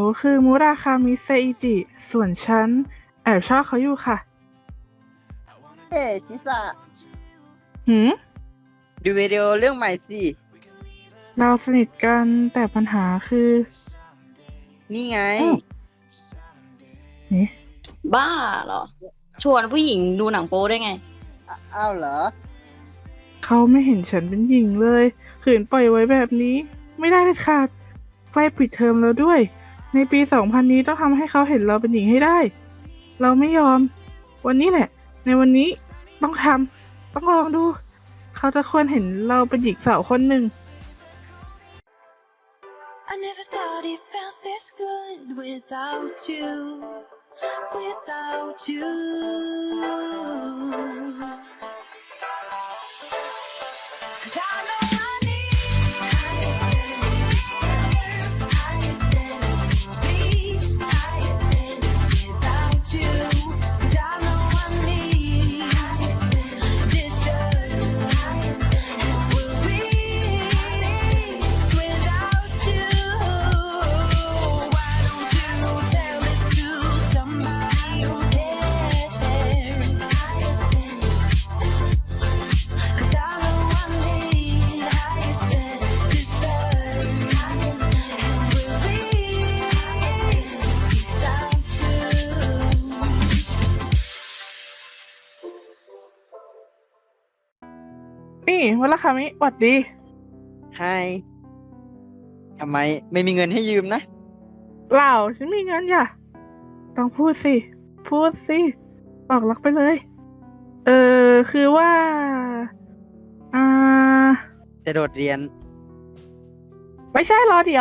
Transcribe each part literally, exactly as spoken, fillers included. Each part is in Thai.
คือมุราคามิเซอิจิ ส่วนฉันแอบชอบเขาอยู่ค่ะเฮ้ชิสะหืมดูวิดีโอเรื่องใหม่สิเราสนิทกันแต่ปัญหาคือนี่ไงอ้าวนี่บ้าเหรอ ชวนผู้หญิงดูหนังโป๊ได้ไงอ้าอ้าวเหรอเขาไม่เห็นฉันเป็นหญิงเลยขืนปล่อยไว้แบบนี้ ไม่ได้เลยค่ะใกล้ปิดเทอมแล้วด้วย ในปีสองพันนี้ต้องทำให้เขาเห็นเราเป็นหญิงให้ได้ เราไม่ยอม วันนี้แหละ ในวันนี้ต้องทำต้องลองดู เขาจะควรเห็นเราเป็นหญิงสาวคนหนึ่ง I never thought it felt this good without you, without you. Cause I know I need higher than me, higher than without you. Cause I know I need deserve and will reach without you. Why don't you tell this to somebody who cares? Cause I know I need highest and deserve and will reach without you. นี่วลคามิหวัดดีไฮทำไมไม่มีเงินให้ยืมนะเปล่าฉันมีเงินอย่ะ ต้องพูดสิ พูดสิ บอกรักไปเลย เออ คือว่า อ่าจะโดดเรียนไม่ใช่รอเดี๋ยว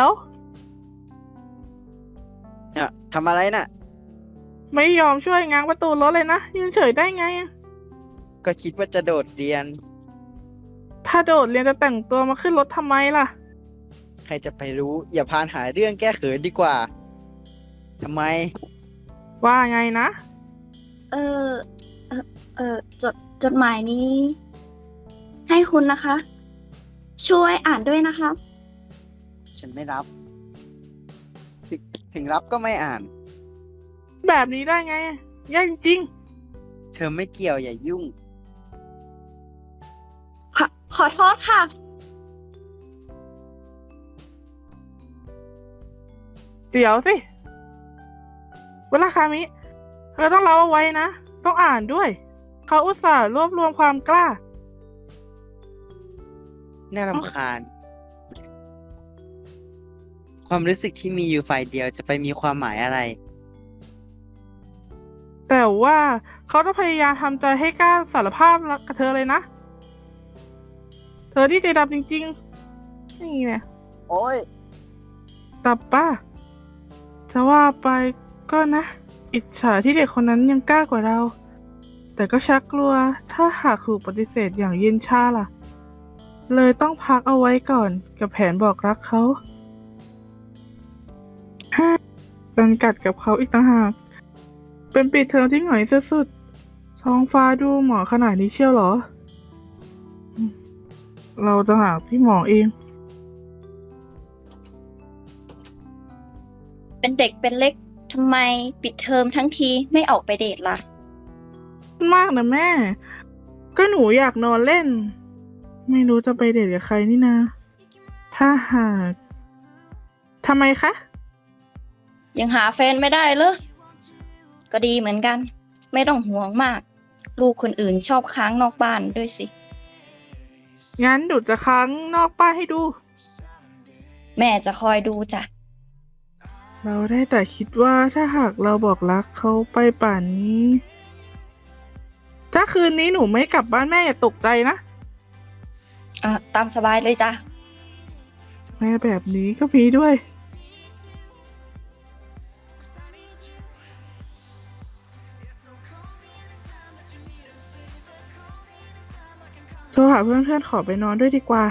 เนี่ยทำอะไรน่ะไม่ยอมช่วยง้างประตูรถเลยนะ ยืนเฉยได้ไงอะก็คิดว่าจะโดดเรียนถ้าโดดเรียนจะแต่งตัวมาขึ้นรถทำไมล่ะใครจะไปรู้ อย่าพานหาเรื่องแก้เขินดีกว่า ทำไมว่าไงนะเออ เออเออจดจดหมายนี้ ให้คุณนะคะ ช่วยอ่านด้วยนะคะฉันไม่รับ ถึงถึงรับก็ไม่อ่านแบบนี้ได้ไงอะแย่จริงเธอไม่เกี่ยวอย่ายุ่งขอขอโทษค่ะเดี๋ยวสิเวลาคามิเธอต้องเล่าเอาไว้นะ ต้องอ่านด้วย เขาอุตส่าห์รวบรวมความกล้าน่ารำคาญ ความรู้สึกที่มีอยู่ฝ่ายเดียวจะไปมีความหมายอะไรแต่ว่าเขาต้องพยายามทำใจให้กล้าสารภาพรักกับเธอเลยนะ เธอที่ใจดำจริงๆ นี่แหละโอ้ยตับป้า จะว่าไปก็นะ อิจฉาที่เด็กคนนั้นยังกล้ากว่าเรา แต่ก็ชักกลัวถ้าหากถูกปฏิเสธอย่างเย็นชาล่ะ เลยต้องพักเอาไว้ก่อนกับแผนบอกรักเขาฮ่าเป็นกัดกับเขาอีกต่างหาก เป็นปิดเทอมที่หงอยสุดๆท้องฟ้าดูหมอกขนาดนี้เชียวเหรออืมเราต่างหากที่หมอเองเป็นเด็กเป็นเล็กทำไมปิดเทอมทั้งทีไม่ออกไปเดทล่ะมากนะแม่ ก็หนูอยากนอนเล่น ไม่รู้จะไปเดทกับใครนี่นะ ถ้าหากทำไมคะยังหาแฟนไม่ได้เลยก็ดีเหมือนกัน ไม่ต้องห่วงมาก ลูกคนอื่นชอบค้างนอกบ้านด้วยสิงั้นดูดจะค้างนอกป้านให้ดูแม่จะคอยดูจ้ะเราได้แต่คิดว่าถ้าหากเราบอกรักเขาไปป่านนี้ ถ้าคืนนี้หนูไม่กลับบ้านแม่อย่าตกใจนะเอ่อตามสบายเลยจ้ะแม่แบบนี้ก็มีด้วย โทรหาเพื่อนๆขอไปนอนด้วยดีกว่า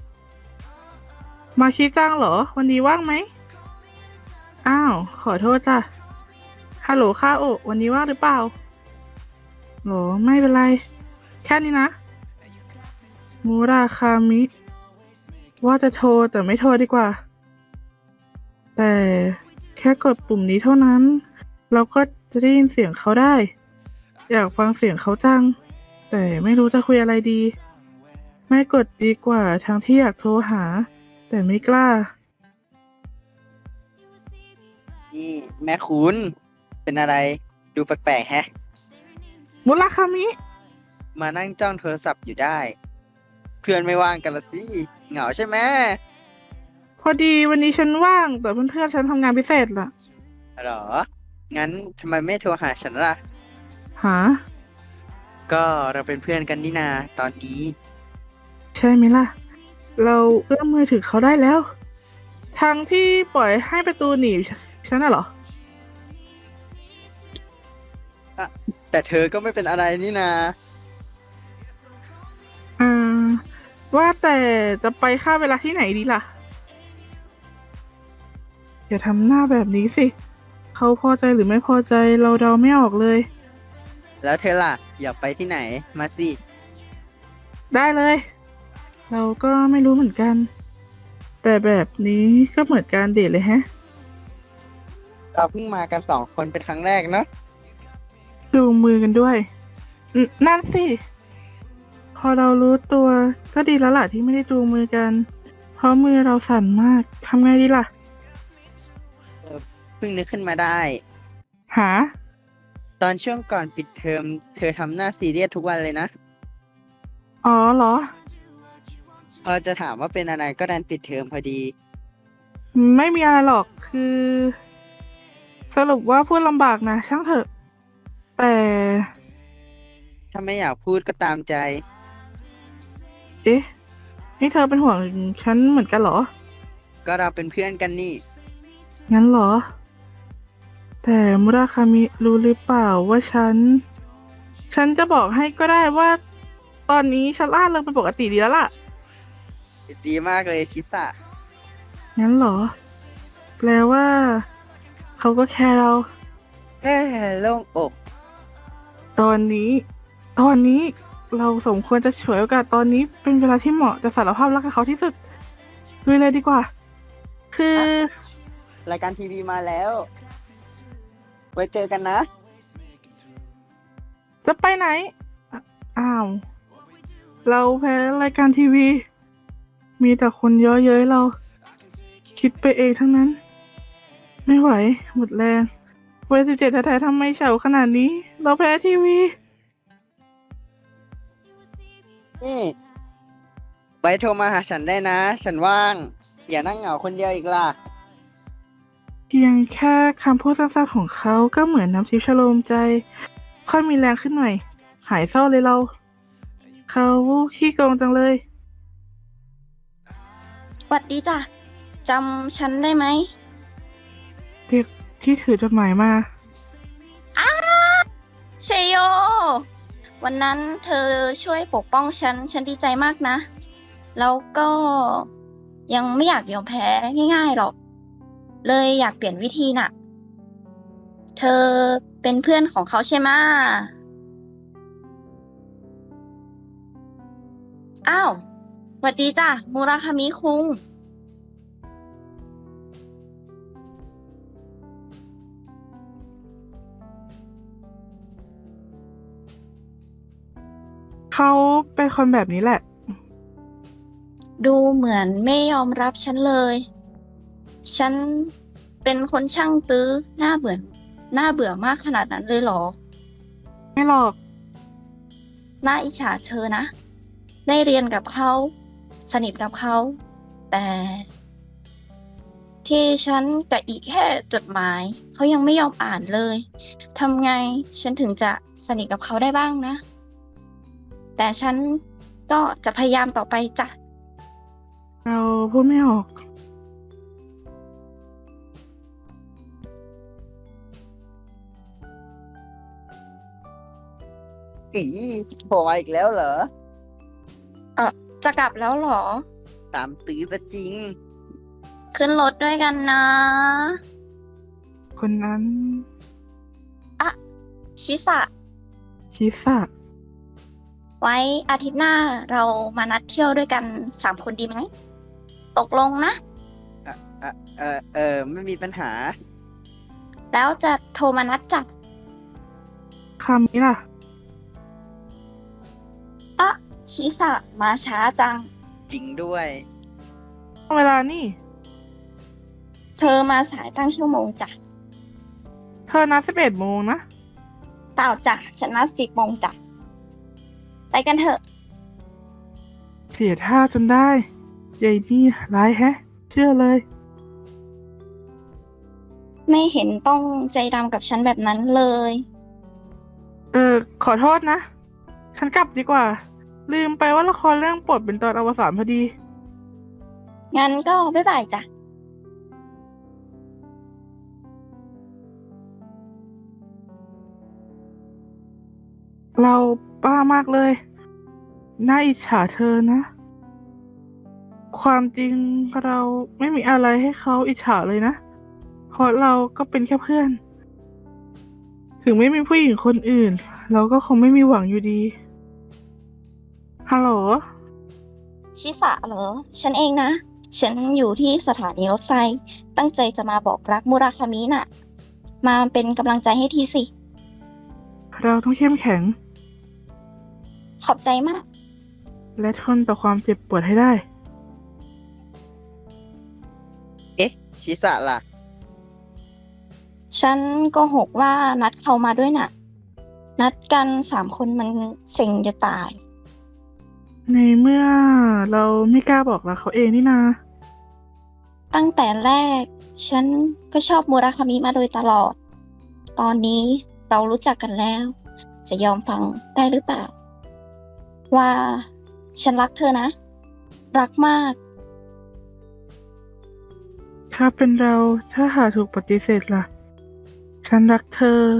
มาชิจังเหรอ วันนี้ว่างไหม อ้าว ขอโทษจ้ะ ฮัลโหลค่าโอะวันนี้ว่างหรือเปล่าโหรไม่เป็นไร แค่นี้นะ มูราคามิ ว่าจะโทรแต่ไม่โทรดีกว่า แต่แค่กดปุ่มนี้เท่านั้น เราก็จะได้ยินเสียงเขาได้ อยากฟังเสียงเขาจัง แต่ไม่รู้จะคุยอะไรดี ไม่กดดีกว่าทั้งที่อยากโทรหา แต่ไม่กล้านี่แม่คุณเป็นอะไรดูแปลกๆแฮะมุราคามิมานั่งจ้องโทรศัพท์อยู่ได้ เพื่อนไม่ว่างกันละสิ เหงาใช่ไหมพอดีวันนี้ฉันว่าง แต่เพื่อนๆฉันทำงานพิเศษล่ะหรอ งั้นทำไมไม่โทรหาฉันล่ะหาก็เราเป็นเพื่อนกันนี่นา ตอนนี้ใช่ไหมล่ะ เราเอื้อมมือถึงเขาได้แล้ว ทางที่ปล่อยให้ประตูหนีบฉันน่ะเหรอแต่เธอก็ไม่เป็นอะไรนี่นาอ่า ว่าแต่จะไปค่าเวลาที่ไหนดีล่ะ อย่าทำหน้าแบบนี้สิ เขาพอใจหรือไม่พอใจเราเดาไม่ออกเลยแล้วเธอล่ะ อยากไปที่ไหน มาสิได้เลย เราก็ไม่รู้เหมือนกัน แต่แบบนี้ก็เหมือนการเดทเลยแฮะเราเพิ่งมากันสองคนเป็นครั้งแรกเนาะจูงมือกันด้วยนนั่นสิ พอเรารู้ตัวก็ดีแล้วล่ะที่ไม่ได้จูงมือกัน เพราะมือเราสั่นมาก ทำไงดีล่ะเพิ่งนึกขึ้นมาได้หาตอนช่วงก่อนปิดเทอม เธอทำหน้าซีเรียสทุกวันเลยนะอ๋อเหรอพอจะถามว่าเป็นอะไรก็ดันปิดเทอมพอดีไม่มีอะไรหรอก คือ สรุปว่าพูดลำบากนะ ช่างเถอะ แต่ถ้าไม่อยากพูดก็ตามใจเอ๊ะ นี่เธอเป็นห่วงฉันเหมือนกันเหรอก็เราเป็นเพื่อนกันนี่งั้นเหรอ แต่มุราคามิรู้หรือเปล่าว่าฉัน ฉันจะบอกให้ก็ได้ว่า ตอนนี้ฉันล่าเริงเป็นปกติดีแล้วล่ะดีมากเลยชิสะงั้นเหรอ แปลว่า เขาก็แคร์เราเฮ้โล่งอกตอนนี้ ตอนนี้เราสมควรจะฉวยโอกาสตอนนี้เป็นเวลาที่เหมาะจะสารภาพรักกับเขาที่สุดลุยเลยดีกว่า คือรายการทีวีมาแล้ว ไว้เจอกันนะจะไปไหนอ่ะอ้าว เราแพ้รายการทีวี มีแต่คนเย้อเย้ยเรา คิดไปเองทั้งนั้น ไม่ไหว หมดแรงวัยสิบเจ็ดแท้ๆทำไมเฉาขนาดนี้ เราแพ้ทีวีนี่ไว้โทรมาหาฉันได้นะ ฉันว่าง อย่านั่งเหงาคนเดียวอีกล่ะเพียงแค่คำพูดสั้นๆของเขาก็เหมือนน้ำทิพย์ชโลมใจ ค่อยมีแรงขึ้นหน่อย หายเศร้าเลยเรา เขาขี้โกงจังเลยหวัดดีจ้ะ จำฉันได้ไหมเด็กที่ถือจดหมายมาเชโย วันนั้นเธอช่วยปกป้องฉัน ฉันดีใจมากนะ แล้วก็ยังไม่อยากยอมแพ้ง่ายๆหรอก เลยอยากเปลี่ยนวิธีน่ะ เธอเป็นเพื่อนของเขาใช่ไหมะอ้าวหวัดดีจ้ะ มูราคามิคุงเขาเป็นคนแบบนี้แหละดูเหมือนไม่ยอมรับฉันเลย ฉันเป็นคนช่างตื้อหน้าเบื่อหน้าเบื่อมากขนาดนั้นเลยเหรอไม่หรอกน่าอิจฉาเธอนะ ได้เรียนกับเขา สนิทกับเขา แต่ ที่ฉันกับอีกแค่จดหมาย เขายังไม่ยอมอ่านเลยทำไงฉันถึงจะสนิทกับเขาได้บ้างนะ แต่ฉันก็จะพยายามต่อไปจ้ะเราพูดไม่ออกอีโผล่มาอีกแล้วเหรอเออจะกลับแล้วเหรอตามตื้อซะจริงขึ้นรถด้วยกันนะคนนั้นชิสะคิสะไว้อาทิตย์หน้าเรามานัดเที่ยวด้วยกันสามคนดีไหม ตกลงนะเออเออเออไม่มีปัญหาแล้วจะโทรมานัดจับคำนี้ล่ะอะชิสะมาช้าจังจริงด้วยเวลานี่เธอมาสายตั้งชั่วโมงจ้ะเธอนัดสิบเอ็ดโมงนะเปล่าจ้ะ ฉันนัดสิบโมงจ้ะ ไปกันเถอะเสียท่าจนได้ยายนี่ร้ายแฮะ เชื่อเลยไม่เห็นต้องใจดำกับฉันแบบนั้นเลยเออ ขอโทษนะ ฉันกลับดีกว่า ลืมไปว่าละครเรื่องโปรดเป็นตอนอวสานพอดีงั้นก็บ๊ายบายจ้ะเราบ้ามากเลย น่าอิจฉาเธอนะ ความจริงเราไม่มีอะไรให้เขาอิจฉาเลยนะ เพราะเราก็เป็นแค่เพื่อน ถึงไม่มีผู้หญิงคนอื่น เราก็คงไม่มีหวังอยู่ดี ฮัลโหลชิสะเหรอ ฉันเองนะ ฉันอยู่ที่สถานีรถไฟ ตั้งใจจะมาบอกรักมุราคามิน่ะ มาเป็นกำลังใจให้ทีสิเราต้องเข้มแข็งขอบใจมากและทนต่อความเจ็บปวดให้ได้เอ๊ะ ชิสะล่ะฉันโก็หกว่านัดเขามาด้วยน่ะ นัดกันสามคนมันเซ็งจะตายในเมื่อเราไม่กล้าบอกรักเขาเองนี่นาตั้งแต่แรก ฉันก็ชอบมุราคามิมาโดยตลอด ตอนนี้เรารู้จักกันแล้ว จะยอมฟังได้หรือเปล่า ว่าฉันรักเธอนะ รักมากถ้าเป็นเราถ้าหาถูกปฏิเสธล่ะ ฉันรักเธอ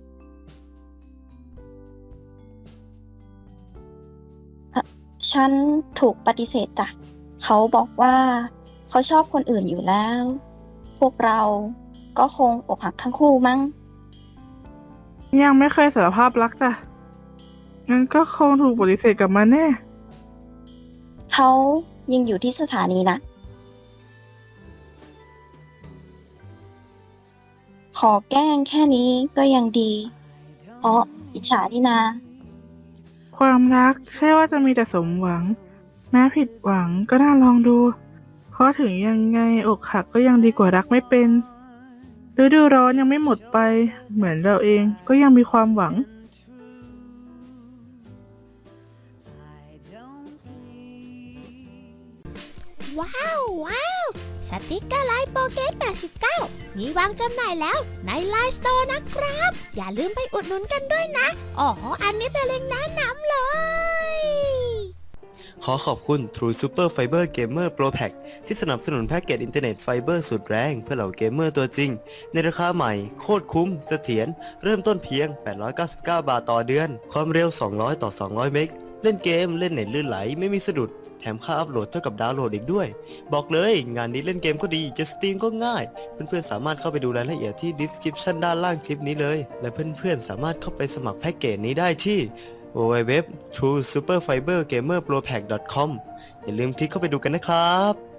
ฉันถูกปฏิเสธจ้ะ เขาบอกว่าเขาชอบคนอื่นอยู่แล้ว พวกเราก็คงอกหักทั้งคู่มั้งยังไม่เคยสารภาพรักจ้ะ งั้นก็คงถูกปฏิเสธกลับมาแน่เขายังอยู่ที่สถานีนะ ขอแกล้งแค่นี้ก็ยังดี เพราะอิจฉานี่นาความรักใช่ว่าจะมีแต่สมหวัง แม้ผิดหวังก็น่าลองดู เพราะถึงยังไงอกหักก็ยังดีกว่ารักไม่เป็นฤดูร้อนยังไม่หมดไป เหมือนเราเองก็ยังมีความหวังว้าวว้าวสติกเกอร์ไลน์โปเกตแปดสิบเก้ามีวางจำหน่ายแล้วในไลน์สโตร์นะครับ อย่าลืมไปอุดหนุนกันด้วยนะ อ๋อ อันนี้เป็นเล็งก์แนะนำเลยขอขอบคุณ True Super Fiber Gamer Pro Pack ที่สนับสนุนแพ็กเกจอินเทอร์เน็ตไฟเบอร์สุดแรงเพื่อเหล่าเกมเมอร์ตัวจริง ในราคาใหม่ โคตรคุ้มเสถียรเริ่มต้นเพียง แปดร้อยเก้าสิบเก้า บาทต่อเดือน ความเร็ว สองร้อย ต่อ สองร้อย เมกะ เล่นเกมเล่นเน็ตลื่นไหลไม่มีสะดุด แถมค่าอัพโหลดเท่ากับดาวน์โหลดอีกด้วย บอกเลยงานนี้เล่นเกมก็ดีจะสตรีมก็ง่าย เพื่อนๆสามารถเข้าไปดูรายละเอียดที่ description ด้านล่างคลิปนี้เลย และเพื่อนๆสามารถเข้าไปสมัครแพ็กเกจนี้ได้ที่ ดับเบิลยู ดับเบิลยู ดับเบิลยู ดอท ทรู ซูเปอร์ ไฟเบอร์ เกมเมอร์ โปร แพ็ก ดอท คอม อย่าลืมคลิกเข้าไปดูกันนะครับ